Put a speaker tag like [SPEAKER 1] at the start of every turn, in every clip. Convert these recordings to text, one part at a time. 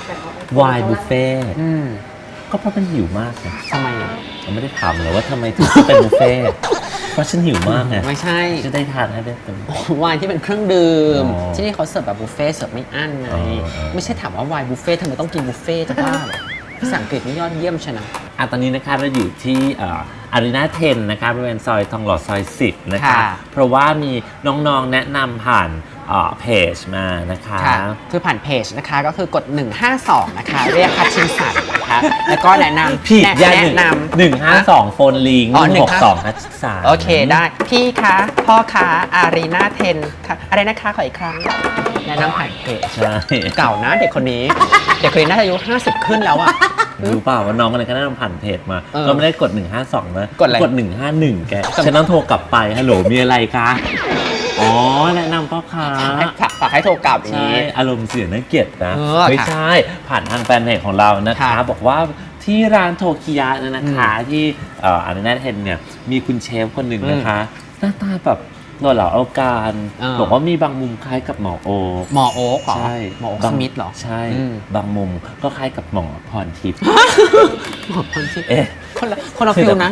[SPEAKER 1] วายบุฟเฟ่ต์ก็เพราะมันหิวมากไง
[SPEAKER 2] ทำไมอ่ะ
[SPEAKER 1] เราไม่ได้ถามเลยว่าทำไมถึงเป็นบุฟเฟ่ต์เพราะฉันหิวมากไง
[SPEAKER 2] ไม่ใช่
[SPEAKER 1] จะได้ทานให้ได้เต็ม
[SPEAKER 2] ไวน์ที่เป็นเครื่องดื่ม
[SPEAKER 1] อ๋อ
[SPEAKER 2] ที่นี่เขาเสิร์ฟแบบบุฟเฟ่ต์เสิร์ฟไม่อั้นไง
[SPEAKER 1] อ๋อ
[SPEAKER 2] ไม่ใช่ถามว่าไวน์บุฟเฟ่ต์ทำไมต้องกินบุฟเฟ่ต์จะบ้าเหรอภาษาอังกฤษนี่ยอดเยี่ยมชนะ
[SPEAKER 1] ตอนนี้นะคะเราอยู่ที่อารีนา10นะคะบริเวณซอยทองหล่อซอย10นะคะ
[SPEAKER 2] ค่ะ
[SPEAKER 1] เพราะว่ามีน้องๆแนะนำผ่านเพจมานะคะ
[SPEAKER 2] ค่ะคือผ่านเพจนะคะก็คือกด 152 นะคะ เรียกคัดชิงสันนะคะ แล้วก็แนะนำ
[SPEAKER 1] ผิดยา
[SPEAKER 2] แนะนำ
[SPEAKER 1] 152โฟนลิง
[SPEAKER 2] อ๋อ
[SPEAKER 1] 162คัดสาร
[SPEAKER 2] โอเคได้ พี่คะพ่อคะอารีนา10ค่ะอะไรนะคะขออีกครั้ง แนะนำผ่านเพจ
[SPEAKER 1] ใช่
[SPEAKER 2] เก่านะเด็กคนนี้ เด็กคนนี้น่าจะอายุ50 ขึ้นแล้วอะ
[SPEAKER 1] รู้เปล่าว่าน้องอะไรก็แนะนำผ่านเพจมา
[SPEAKER 2] เออ
[SPEAKER 1] ก็ไม่ได้กด 152 นะ
[SPEAKER 2] กดอะไร
[SPEAKER 1] กด 151 แก ฉันต้องโทรกลับไปฮัลโหลมีอะไรคะอ๋อแนะนำพ่อค้า
[SPEAKER 2] ฝากให้โทรกลับอย่าง
[SPEAKER 1] ใช่
[SPEAKER 2] นี้
[SPEAKER 1] อารมณ์เสียน่าเกลียดนะ
[SPEAKER 2] เออ
[SPEAKER 1] ไม่
[SPEAKER 2] ค่ะ
[SPEAKER 1] ใช่ผ่านทางแฟนเพจของเรานะคะ
[SPEAKER 2] ค่ะ
[SPEAKER 1] บอกว่าที่ร้านโทคิยะเนี่ยนะคะที่อารีนาเทนเนี่ยมีคุณเชฟคนหนึ่งนะคะ หน้าตาแบบหล่อเหลาเอาการ บอกว่ามีบางมุมคล้ายกับหมอโอ
[SPEAKER 2] หมอโอ๊คเหรอ
[SPEAKER 1] ใช่
[SPEAKER 2] หมอโอ๊ค
[SPEAKER 1] บาง
[SPEAKER 2] สมิธเหรอ
[SPEAKER 1] ใช่
[SPEAKER 2] อืม
[SPEAKER 1] บางมุมก็คล้ายกับหมอพรทิพย์
[SPEAKER 2] หมอคนที่
[SPEAKER 1] เอ๊ะ
[SPEAKER 2] คนละฟิลนะ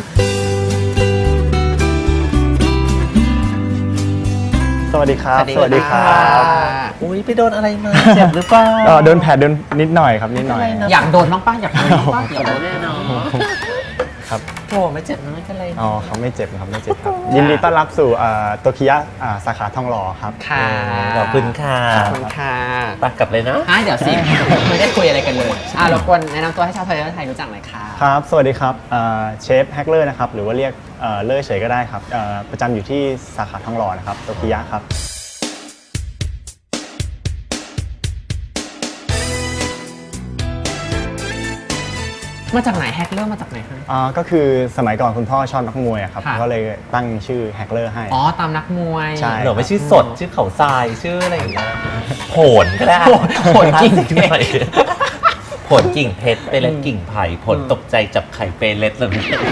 [SPEAKER 3] สวัสดีครับ
[SPEAKER 2] สวัสดีค่ะ
[SPEAKER 1] อุ้ยไปโดนอะไรมาเจ็บหรือเปล่า
[SPEAKER 3] โดนแผลโดนนิดหน่อยครับนิดหน่อย
[SPEAKER 2] อยากโดนบ้างป้าอยากโดนบ้างป้าอยากโดน
[SPEAKER 1] แน่นอน
[SPEAKER 3] ครับ
[SPEAKER 1] โอ้ไม่เจ็บนะไม่เป็นไรนะ
[SPEAKER 3] อ๋อเขาไม่เจ็บครับไม่เจ็บครับ ยินดีต้อนรับสู่โตคิยะสาขาทองหล่อครับ
[SPEAKER 2] ค่ะ
[SPEAKER 1] ขอบคุณค่ะ
[SPEAKER 2] ขอบคุณค่ะ
[SPEAKER 1] ไปกลับเลยนะ
[SPEAKER 2] เดี๋ยวสิ ไม่ได้คุยอะไรกันเลยรบกวนแนะนำตัวให้ชาวไทยและไทยรู้จักหน่อยค่ะ
[SPEAKER 3] ครับ สวัสดีครับเชฟแฮกเลอร์นะครับหรือว่าเรียกเลอร์เฉยก็ได้ครับประจำอยู่ที่สาขาทองหล่อนะครับโตคิยะครับ
[SPEAKER 2] มาจากไหนแฮกเริ่มมาจากไหนคะ
[SPEAKER 3] ก็คือสมัยก่อนคุณพ่อชอบนักมวยอะครับ
[SPEAKER 2] ค่ะ
[SPEAKER 3] ก็เลยตั้งชื่อแฮกเลอร์ให้
[SPEAKER 2] อ๋อตามนักมวย
[SPEAKER 3] ใช่
[SPEAKER 1] หรือไม่ชื่อสดชื่อเขาทรายชื่ออะไรอย่างเงี้ยโผนก็ได้
[SPEAKER 2] โหนกิ่งเพชร
[SPEAKER 1] ผลกิ่งเพชรเปเล็ดกิ่งไผ่ผลตกใจจับไข่เปเล็ดเลย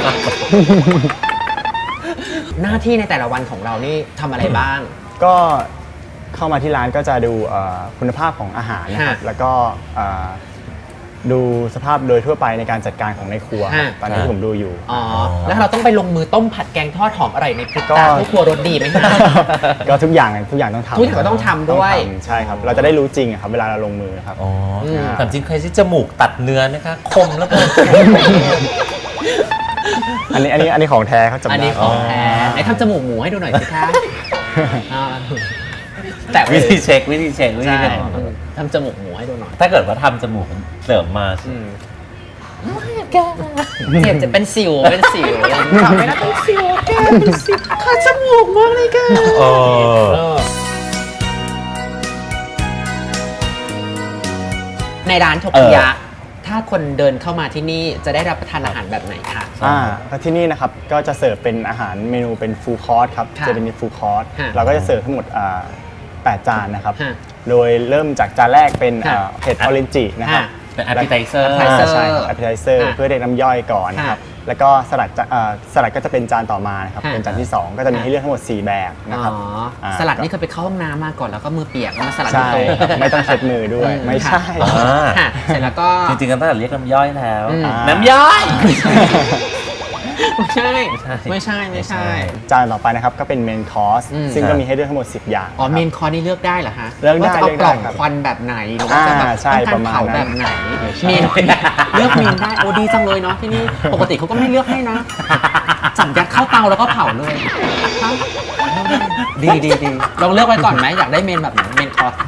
[SPEAKER 2] หน้าที่ในแต่ละวันของเรานี่ทำอะไรบ้าง
[SPEAKER 3] ก็เข้ามาที่ร้านก็จะดูคุณภาพของอาหารนะครับ
[SPEAKER 2] ฮะ
[SPEAKER 3] แล้วก็ดูสภาพโดยทั่วไปในการจัดการของในครัว
[SPEAKER 2] ฮะ
[SPEAKER 3] ตอนนี้ที่ผมดูอยู่
[SPEAKER 2] อ๋อ แล้วเราต้องไปลงมือต้มผัดแกงทอดหอมอร่อยในพริก
[SPEAKER 3] ก็
[SPEAKER 2] ตาทุกครัวรสดีไหมคะ
[SPEAKER 3] ก็ทุกอย่างต้องทำ
[SPEAKER 2] ทุกอย่างก็ต้องทำด้วย
[SPEAKER 3] ต้องทำใช่ครับ เราจะได้รู้จริงอะครับเวลาเราลงมือครับ
[SPEAKER 1] อ๋อ
[SPEAKER 2] ม
[SPEAKER 1] แต่จริงใครที่จมูกตัดเนื้อนะคะคมแล้วก็
[SPEAKER 3] อันนี้ของแท้เขาจำได้
[SPEAKER 2] อันนี้ของแท้ไหนทำจมูกหมูให้ดูหน่อยสิคะอ่าแต่
[SPEAKER 1] วิธีเช็ควิธีเช็ควิธี
[SPEAKER 2] ใช่
[SPEAKER 1] เช็ค
[SPEAKER 2] ทำจมูกหมูให้ดูหน่อย
[SPEAKER 1] ถ้าเกิดว่าทำจมูกเสริมมา
[SPEAKER 2] เจ็บจะเป็นสิวเป็นสิวทำไม่ได้เป็นสิวแกเป็นสิวขาดจมูกมากเลยแก
[SPEAKER 1] เออ
[SPEAKER 2] ในร้านทกิยะ ถ้าคนเดินเข้ามาที่นี่จะได้รับประทานอาหารแบบไหนคะ
[SPEAKER 3] แล้วที่นี่นะครับก็จะเสิร์ฟเป็นอาหารเมนูเป็นฟูลคอร์สครับ
[SPEAKER 2] ค่ะ
[SPEAKER 3] จะเป็นฟูลคอร์ส
[SPEAKER 2] ฮะ
[SPEAKER 3] เราก็จะเสิร์ฟทั้งหมด8 จานนะครับ
[SPEAKER 2] ฮะ
[SPEAKER 3] โดยเริ่มจากจานแรกเป็น
[SPEAKER 2] ฮะ
[SPEAKER 3] เห็ดออเรนจินะครับ
[SPEAKER 2] ฮะ
[SPEAKER 1] เป็น appetizer
[SPEAKER 3] ใช่ครับ appetizer
[SPEAKER 2] ฮะ
[SPEAKER 3] เพื่อเรียกน้ำย่อยก่อนนะครับ
[SPEAKER 2] ฮะ
[SPEAKER 3] แล้วก็สลัดก็จะเป็นจานต่อมานะครับ
[SPEAKER 2] ฮะ
[SPEAKER 3] เป็นจานที่ 2 ก็จะมีให้เลือกทั้งหมด 4 แบบนะครับ
[SPEAKER 2] สลัดนี่เคยไปเข้าห้องน้ำมาก่อนแล้วก็มือเปียกแล้วมาสลัด
[SPEAKER 3] ใช่
[SPEAKER 2] ที่โต๊ะ
[SPEAKER 3] ครับไม่ต้องเช็ดมือด้วย ไม่ใช่
[SPEAKER 2] ค่ะเสร็จแล้วก็
[SPEAKER 1] จริงๆก็ต้องเรียกน้ำย่อยแล้ว
[SPEAKER 2] อืม
[SPEAKER 1] น้ำย่อย
[SPEAKER 2] ไม่ใช่
[SPEAKER 1] ไม่
[SPEAKER 2] ไม่
[SPEAKER 1] ใช่
[SPEAKER 2] ใช่ไม่ใช่
[SPEAKER 3] จานต่อไปนะครับก็เป็นเมนคอร์ส
[SPEAKER 2] อืม
[SPEAKER 3] ซึ่งก็มีให้เลือกทั้งหมด 10 อย่าง
[SPEAKER 2] อ๋อ
[SPEAKER 3] ครับ
[SPEAKER 2] เมนคอร์สนี่เลือกได้เหรอฮะ
[SPEAKER 3] เลือกได้
[SPEAKER 2] ว่าจะเอา
[SPEAKER 3] เลือก
[SPEAKER 2] ก
[SPEAKER 3] ได้
[SPEAKER 2] ล่อง
[SPEAKER 3] ครับ
[SPEAKER 2] ควันแบบไหนหรือว่าจะแบบ
[SPEAKER 3] ใช่
[SPEAKER 2] ต้องการ
[SPEAKER 3] ประมาณ
[SPEAKER 2] เผา
[SPEAKER 3] นั้น
[SPEAKER 2] แบบไหน
[SPEAKER 3] ใช่
[SPEAKER 2] เมนเลือกเมนได้โอ้ดีจังเลยเนาะที่นี่ปกติเขาก็ไม่เลือกให้นะจับยัดเข้าเตาแล้วก็เผาเลยฮะดีดีดีลองเลือกไว้ก่อนไหมอยากได้เมนแบบไหนเมนคอร์ส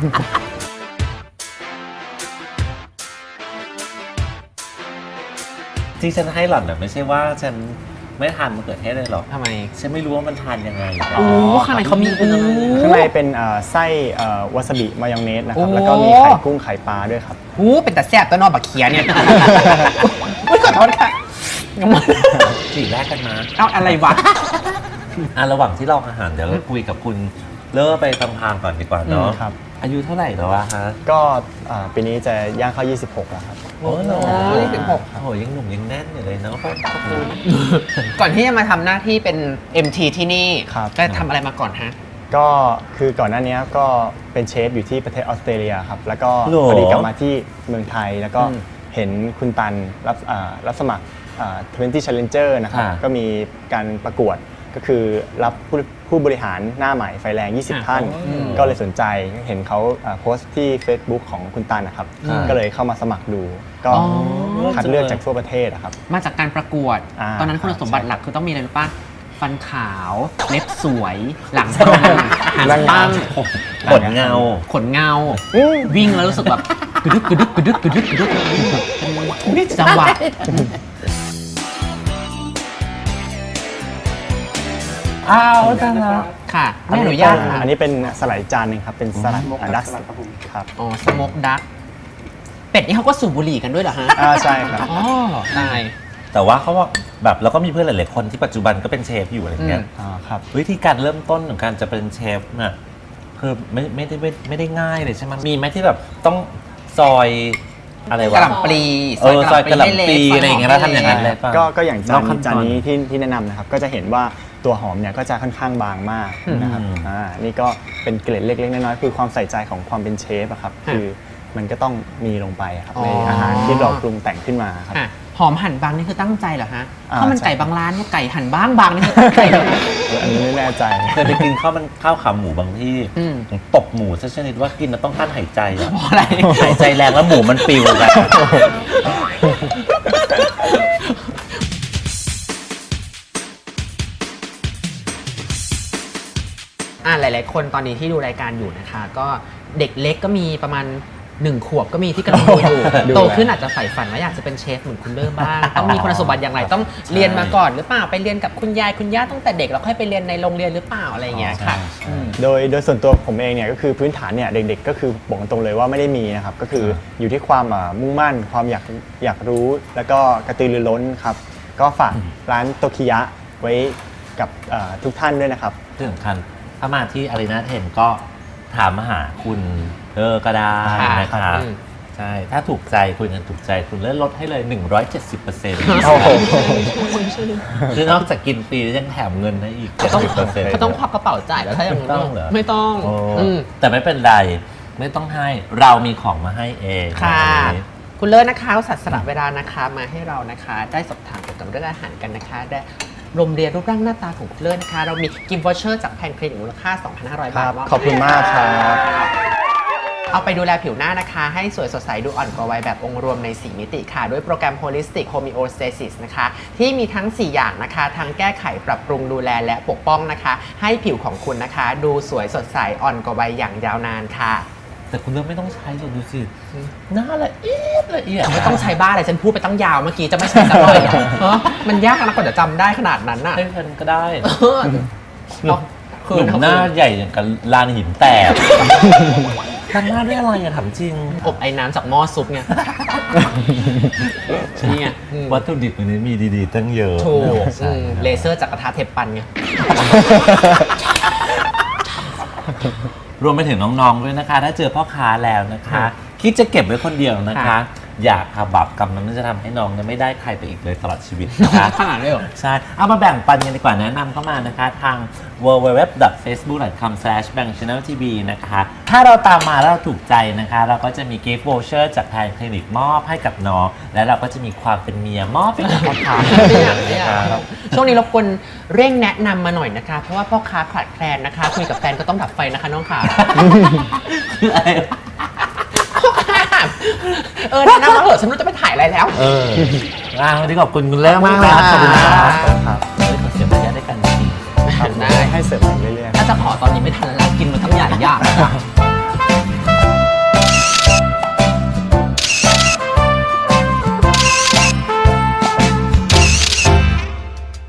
[SPEAKER 1] ที่ฉันให้หล่อนน่ะไม่ใช่ว่าฉันไม่ทานมะเขือเทศเลยหรอก
[SPEAKER 2] ทำไม
[SPEAKER 1] ฉันไม่รู้ว่ามันทานยังไง
[SPEAKER 2] โอ้ข้างในเขามี
[SPEAKER 3] ข้างในเป็นไส้วาซาบิมายองเนสนะครับ
[SPEAKER 2] โอ้
[SPEAKER 3] แล้วก็มีไข่กุ้งไข่ปลาด้วยครับ
[SPEAKER 2] หูเป็นแต่แซ่บตัวนอนบักเขียเนี่ยอุ๊ยขอโทษค่ะ
[SPEAKER 1] สีแรกกันมา
[SPEAKER 2] เอาอะไรวะ
[SPEAKER 1] ระหว่างที่รออาหารเดี๋ยวเราคุยกับคุณเลิกไปทางก่อนดีกว่าเนาะ
[SPEAKER 3] ครับ
[SPEAKER 1] อายุเท่าไหร่แล้วอะคะ
[SPEAKER 3] ก็ปีนี้จะย่างเข้า 26 แล้วครับ
[SPEAKER 1] โอ้โห
[SPEAKER 2] 26
[SPEAKER 1] โอ้ยังหนุ่มยังแน่นอยู่เลยเนาะขอบคุณ
[SPEAKER 2] ก่อนที่จะมาทำหน้าที่เป็น MT ที่นี่
[SPEAKER 3] ครับ
[SPEAKER 2] ก็ทำอะไรมาก่อนฮะ
[SPEAKER 3] ก็คือก่อนหน้านี้ก็เป็นเชฟอยู่ที่ประเทศออสเตรเลียครับแล้วก็
[SPEAKER 1] หรอ
[SPEAKER 3] พอดีกลับมาที่เมืองไทยแล้วก็เห็นคุณตันรับสมัคร20 Challenger นะครับก็มีการประกวดก็คือรับผู้บริหารหน้าใหม่ไฟแรง 20 ท่าน ก็เลยสนใจเห็นเขาโพสต์ที่ Facebook ของคุณตันนะครับก็เลยเข้ามาสมัครดู ก็คัดเลือกจากทั่วประเทศนะครับ
[SPEAKER 2] มาจากการประกวด
[SPEAKER 3] อ่า
[SPEAKER 2] ตอนนั้นคุณสมบัติหลักคือต้องมีอะไรรู้ป่ะฟันขาวเล็บสวยหลังตรงหางตั้ง
[SPEAKER 1] ขนเงา
[SPEAKER 2] ขนเงา วิ่งแล้วรู้สึกแบบกระดึกกระดึกกระดึกกระดึกกระดึกเป็นจังหวะ
[SPEAKER 1] อ้าวจังละ
[SPEAKER 2] ค่ะไม่อนุญาตค่ะ
[SPEAKER 3] อันนี้เป็นสลัดอีกจานหนึ่งครับเป็นสลัดดักครับ
[SPEAKER 2] อ๋อสโมกดักเป็ดนี่เขาก็สูบบุหรี่กันด้วยเหรอฮะ
[SPEAKER 3] ใช่ครับ
[SPEAKER 2] อ๋อตาย
[SPEAKER 1] แต่ว่าเขาว่าแบบเราก็มีเพื่อนหลายๆคนที่ปัจจุบันก็เป็นเชฟอยู่อะไรเงี้ย
[SPEAKER 3] ครับ
[SPEAKER 1] วิธีการเริ่มต้นของการจะเป็นเชฟน่ะคือไม่ได้ง่ายเลยใช่ไหมมีไหมที่แบบต้องซอยอะไร
[SPEAKER 2] ก
[SPEAKER 1] วะ
[SPEAKER 2] ระหล่ำปลี
[SPEAKER 1] ซอยกระหล่ำปลีอะไรอย่างเงี้ยแล้วทำอย่างนั้นเลยป่ะ
[SPEAKER 3] ก็อย่าง
[SPEAKER 1] นอกขั้นตอน
[SPEAKER 3] จานนี้ที่แนะนำนะครับก็จะเห็นว่าตัวหอมเนี่ยก็จะค่อนข้างบางมากนะครับนี่ก็เป็นเกล็ดเล็กๆน้อยๆคือความใส่ใจของความเป็นเชฟอะครับคือมันก็ต้องมีลงไปครับในอาหารที่เราปรุงแต่งขึ้นมาครับ
[SPEAKER 2] อ่ะหอมหั่นบางนี่คือตั้งใจเหรอฮะ
[SPEAKER 3] อ่า
[SPEAKER 2] ข้าวมันไก่
[SPEAKER 3] ใช่
[SPEAKER 2] บางร้านเนี่ยไก่หั่นบางนี่คือตั้งใจเลยนะ
[SPEAKER 3] อันนี้ไม่แน่ใจ
[SPEAKER 1] เคยไปกินข้าวขาหมูบางที่
[SPEAKER 2] อืม
[SPEAKER 1] ตบหมูซะชนิดว่ากินแล้วต้องกั้นหายใจอะ
[SPEAKER 2] เพราะอะไร
[SPEAKER 1] หายใจแรงแล้วหมูมันปิวกัน
[SPEAKER 2] หลาย ๆ คนตอนนี้ที่ดูรายการอยู่นะคะ ก็เด็กเล็กก็มีประมาณ1 ขวบก็มีที่กำลังดูอยู่
[SPEAKER 3] ดู
[SPEAKER 2] โตขึ้นอาจจะใฝ่ฝันว่าอยากจะเป็นเชฟเหมือนคุณเลิศบ้าง ต้องมีคุณสมบัติอย่างไรต้องเรียนมาก่อนหรือเปล่าไปเรียนกับคุณยายคุณย่าตั้งแต่เด็กแล้วค่อยไปเรียนในโรงเรียนหรือเปล่าอะไรอย่างเงี้ยค่ะอืม
[SPEAKER 3] โดยส่วนตัวผมเองเนี่ยก็คือพื้นฐานเนี่ยเด็กๆก็คือบอกตรงเลยว่าไม่ได้มีนะครับก็คืออยู่ที่ความมุ่งมั่นความอยากรู้แล้วก็กระตือรือร้นครับก็ฝากร้านโตคิยะไว้กับทุกท่านด้วยนะครับ
[SPEAKER 1] ที่สำคัญถ้ามาที่อารีนาเทนก็ถามมาหาคุณก็ได้นะ
[SPEAKER 2] ครั
[SPEAKER 1] คะ
[SPEAKER 2] บ
[SPEAKER 1] ใช่ถ้าถูกใจคุยกันถูกใจคุณเลื่อนลดให้เลย 170%
[SPEAKER 3] โอ้โห
[SPEAKER 1] คือนอกจากกินฟรีแล้วยังแถมเงินให้อีก 70%
[SPEAKER 2] เขาต้องควักกระเป๋าจ่ายแล้วถ้าอย่างนั้น
[SPEAKER 1] ต้องเหรอ
[SPEAKER 2] ไม่ต้อง
[SPEAKER 1] โอ้
[SPEAKER 2] อืม
[SPEAKER 1] แต่ไม่เป็นไรไม่ต้องให้เรามีของมาให้เอง
[SPEAKER 2] ค่ะ
[SPEAKER 1] วันนี้
[SPEAKER 2] คุณเลิศนะคะอุตสัตว์สละเวลานะคะมาให้เรานะคะ ได้สอบถามเกี่ยวกับเรื่องอาหารกันนะคะ ได้รวมเรียนรูปร่างหน้าตาของคุณเลิศนะคะ เรามีกิฟต์วอเชอร์จากแพนคลินิกมูลค่า 2,500 บาท
[SPEAKER 3] ขอบคุณมากครับ
[SPEAKER 2] เอาไปดูแลผิวหน้านะคะ ให้สวยสดใสดูอ่อนกว่าวัยแบบองค์รวมใน 4 มิติค่ะ ด้วยโปรแกรม Holistic Homeostasis นะคะ ที่มีทั้ง 4 อย่างนะคะ ทั้งแก้ไขปรับปรุงดูแลและปกป้องนะคะ ให้ผิวของคุณนะคะ ดูสวยสดใสอ่อนกว่าวัยอย่างยาวนานค่ะ
[SPEAKER 1] แต่คุณเริ่มไม่ต้องใช้หรอกดูสิหน้าละเอียดละเอียด
[SPEAKER 2] ไม่ต้องใช้บ้าอะไรฉันพูดไปตั้งยาวเมื่อกี้จะไม่ใช้สักหน่อยเหรอเออมันยากนะกว่าจะจำได้ขนาดนั้นน่ะ
[SPEAKER 1] ให้เพื่อนก็ได้
[SPEAKER 2] เออเอา
[SPEAKER 1] หนุ่มหน้าใหญ่อย่างกับลานหินแตกทำหน้าด้วยอะไรอะถามจริง
[SPEAKER 2] อบไอ้น้ำจากหม้อซุปไงนี่ไงอืม
[SPEAKER 1] วัตถุดิบวันนี้มีดีๆตั้งเยอะ
[SPEAKER 2] ถูก
[SPEAKER 1] ใช่
[SPEAKER 2] เลเซอร์จากกระทะเทปปันไง
[SPEAKER 1] รวมไปถึงน้องๆด้วยนะคะ ถ้าเจอพ่อค้าแล้วนะคะ คิดจะเก็บไว้คนเดียวนะคะ
[SPEAKER 2] ค่ะ
[SPEAKER 1] อย่าทำบาปกรรมนั้นจะทำให้น้องเนี่ยไม่ได้ใครไปอีกเลยตลอดชีวิตนะคะ
[SPEAKER 2] ขนาดเลยเหรอ
[SPEAKER 1] ใช่ เอามาแบ่งปันกันดีกว่าแนะนำเข้ามานะคะ ทาง www.facebook.com/bangchanneltv นะคะ ถ้าเราตามมาแล้วเราถูกใจนะคะ เราก็จะมี gift voucher จากทางคลินิกมอบให้กับน้อง และเราก็จะมีความเป็นเมียมอบให้กับพ่อค้า
[SPEAKER 2] ไม่อยากไม่อยากช่วงนี้รบกวนเร่งแนะนำมาหน่อยนะคะ เพราะว่าพ่อค้าขาดแคลนนะคะ คุยกับแฟนก็ต้องดับไฟนะคะน้องขา
[SPEAKER 1] คืออะไรวะ
[SPEAKER 2] แนะนำมาเถอะฉันไม่รู้จะไปถ่ายอะไรแล้ว
[SPEAKER 1] วันนี้ขอบคุณคุณเลิศมากเลยนะขอบคุณครับ
[SPEAKER 3] ครับ
[SPEAKER 1] ขอเสียงมารยาทด้วยกันจริง
[SPEAKER 3] ครับ
[SPEAKER 2] ได้
[SPEAKER 3] ให้เสริมมาเรื่อยๆ
[SPEAKER 2] ถ้าจะขอตอนนี้ไม่ทันแล้วกินมาทั้งใหญ่ยาก